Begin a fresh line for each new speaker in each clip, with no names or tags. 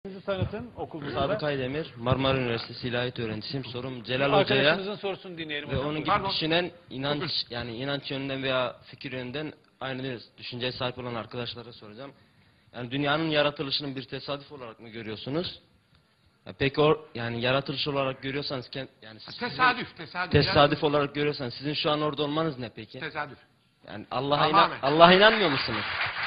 Sizi tanıtın okulunuzda.
Sadık Aydemir, Marmara Üniversitesi İlahiyat öğrencisiyim. Sorum Celal Hoca'ya
Arkadaşınızın sorusunu dinleyelim
ve
hocam.
onun gibi düşünen inanç yönünden veya fikir yönünden aynı düşünceye sahip olan arkadaşlara soracağım. Yani dünyanın yaratılışının bir tesadüf olarak mı görüyorsunuz? Ya peki yani yaratılış olarak görüyorsanız yani tesadüf olarak görüyorsanız sizin şu an orada olmanız ne peki?
Tesadüf.
Yani Allah'a inanmıyor musunuz?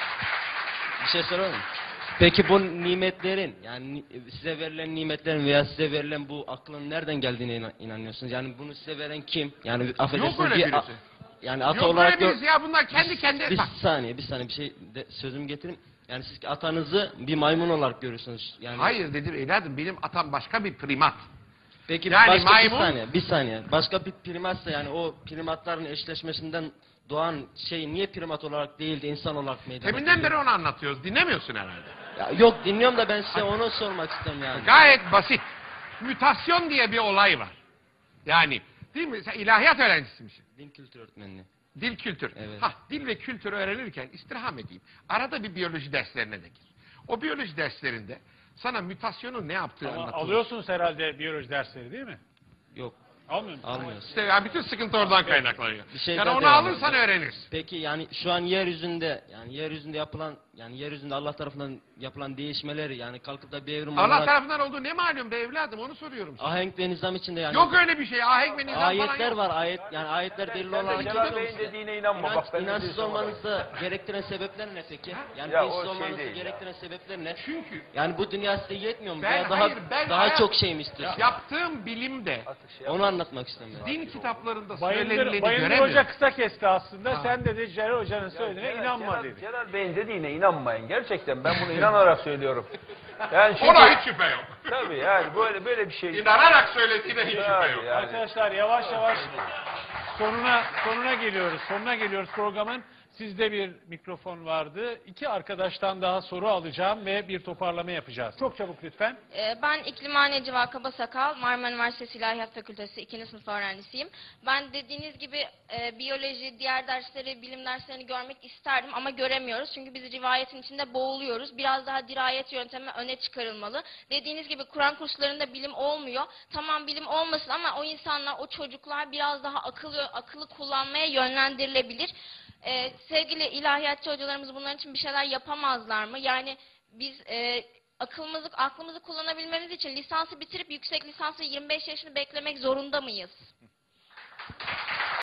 Bir şey soralım. Peki bu nimetlerin, yani size verilen nimetlerin veya size verilen bu aklın nereden geldiğine inanıyorsunuz? Yani bunu size veren kim? Yani affedersiniz.
Yok öyle birisi.
Yani ata
Yok
olarak
öyle birisi ya, bunlar kendi kendine.
Bir saniye bir şey sözümü getireyim. Yani siz atanızı bir maymun olarak görüyorsunuz. Yani
Hayır dedim evladım, benim atam başka bir primat.
Peki
yani
başka
maymun...
bir saniye. Başka bir primatsa yani o primatların eşleşmesinden doğan şey niye primat olarak değil de insan olarak meydana geliyor?
Deminden beri onu anlatıyoruz. Dinlemiyorsun herhalde.
Ya yok dinliyorum da ben size onu sormak istiyorum yani.
Gayet basit. Mütasyon diye bir olay var. Yani değil mi? Sen ilahiyat öğrencisimişsin.
Din kültür öğretmenliği.
Dil kültür.
Evet.
Dil ve kültür öğrenirken istirham edeyim. Arada bir biyoloji derslerine de gir. O biyoloji derslerinde sana mütasyonun ne yaptığı
Ama
anlatılır.
alıyorsunuz herhalde biyoloji dersleri değil mi?
Yok.
Almıyor musunuz?
Almıyoruz.
İşte yani bütün sıkıntı oradan kaynaklanıyor.
Bir şey
Yani
daha
onu
devam
alırsan
edelim.
öğrenirsin.
Peki yani şu an yeryüzünde yapılan yeryüzünde Allah tarafından yapılan değişmeleri yani kalkıp da bir evrim
Allah
olarak
tarafından olduğu ne malum be evladım, onu soruyorum sana.
ahenk ve nizam içinde yani
Yok öyle bir şey. Ahenk ve nizam falan
ayetler
yok.
var ayetler delil olarak
Celal Bey'in dediğine inanma. Bak ben
inançsız olmanızı gerektiren sebepler ne peki? Yani
Ya
dinsiz
o şey
olmanızı
değil
gerektiren sebepler ne?
Çünkü
Yani bu dünya size yetmiyor mu?
Ben-
Veya
hayır, ben
daha
hayat-
çok şey mi istiyorsunuz?
yaptığım bilimde
Onu anlatmak istiyorum.
din kitaplarında
Bayındır
söylenileni
Hoca
göremiyorum.
kısa kesti aslında.
Ha.
Sen dedi Celal Hoca'nın söylediğine inanma dedi.
Celal Bey'in dediğine inanmayın. Gerçekten ben bunu inanarak söylüyorum. Yani çünkü,
Ona hiç şüphe yok.
tabii yani böyle bir şey.
İnanarak söylediğine hiç şüphe
Tabii
yok.
yani.
Arkadaşlar yavaş yavaş sonuna geliyoruz. Sonuna geliyoruz programın. Sizde bir mikrofon vardı. İki arkadaştan daha soru alacağım ve bir toparlama yapacağız. Çok çabuk lütfen.
Ben İklimhane Civa Kabasakal, Marmara Üniversitesi İlahiyat Fakültesi 2. sınıf öğrencisiyim. Ben dediğiniz gibi biyoloji, diğer dersleri, bilim derslerini görmek isterdim ama göremiyoruz. Çünkü biz rivayetin içinde boğuluyoruz. Biraz daha dirayet yöntemi öne çıkarılmalı. Dediğiniz gibi Kur'an kurslarında bilim olmuyor. Tamam bilim olmasın ama o insanlar, o çocuklar biraz daha akıllı kullanmaya yönlendirilebilir. Sevgili ilahiyatçı hocalarımız bunların için bir şeyler yapamazlar mı? Yani biz aklımızı kullanabilmemiz için lisansı bitirip yüksek lisansı 25 yaşını beklemek zorunda mıyız?